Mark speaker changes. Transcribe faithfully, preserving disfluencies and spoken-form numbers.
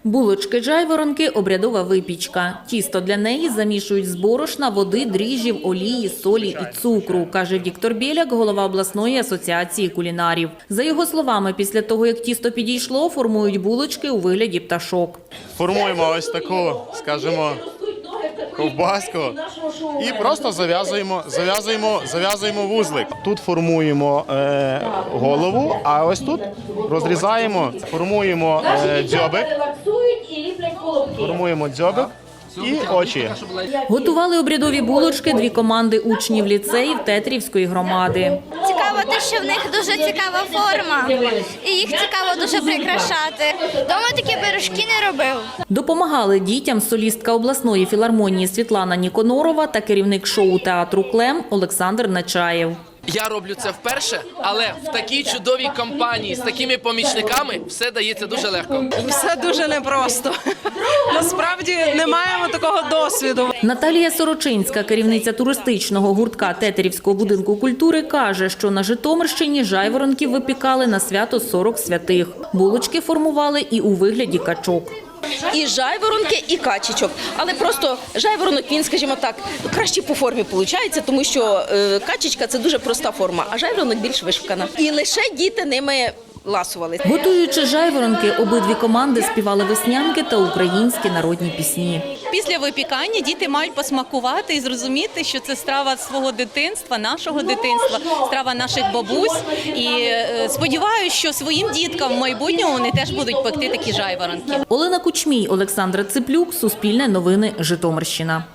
Speaker 1: Булочки-жайворонки – обрядова випічка. Тісто для неї замішують з борошна, води, дріжджів, олії, солі і цукру, каже Віктор Біляк, голова обласної асоціації кулінарів. За його словами, після того, як тісто підійшло, формують булочки у вигляді пташок.
Speaker 2: Формуємо ось таку, скажімо, ковбаску і просто зав'язуємо, зав'язуємо, зав'язуємо вузлик. Тут формуємо е, голову, а ось тут розрізаємо, формуємо е, дзьобик, формуємо дзьобик і очі.
Speaker 1: Готували обрядові булочки дві команди учнів ліцеїв Тетрівської громади.
Speaker 3: Цікаво те, що в них дуже цікава форма, і їх цікаво дуже прикрашати. Дома такі пирожки не робив.
Speaker 1: Допомагали дітям солістка обласної філармонії Світлана Ніконорова та керівник шоу театру «Клем» Олександр Нечаєв.
Speaker 4: Я роблю це вперше, але в такій чудовій компанії з такими помічниками все дається дуже легко.
Speaker 5: Все дуже непросто. Насправді не маємо такого досвіду.
Speaker 1: Наталія Сорочинська, керівниця туристичного гуртка Тетерівського будинку культури, каже, що на Житомирщині жайворонків випікали на свято сорок святих. Булочки формували і у вигляді качок.
Speaker 6: І жайворонки, і качечок. Але просто жайворонок, він, скажімо так, краще по формі виходить, тому що е, качечка – це дуже проста форма, а жайворонок більш вишукана. І лише діти ними ласували.
Speaker 1: Готуючи жайворонки, обидві команди співали веснянки та українські народні пісні.
Speaker 7: Після випікання діти мають посмакувати і зрозуміти, що це страва свого дитинства, нашого дитинства, страва наших бабусь. І е, сподіваюся, що своїм діткам в майбутньому вони теж будуть пекти такі жайворонки.
Speaker 1: Олена Кучмій, Олександра Циплюк, Суспільне новини, Житомирщина.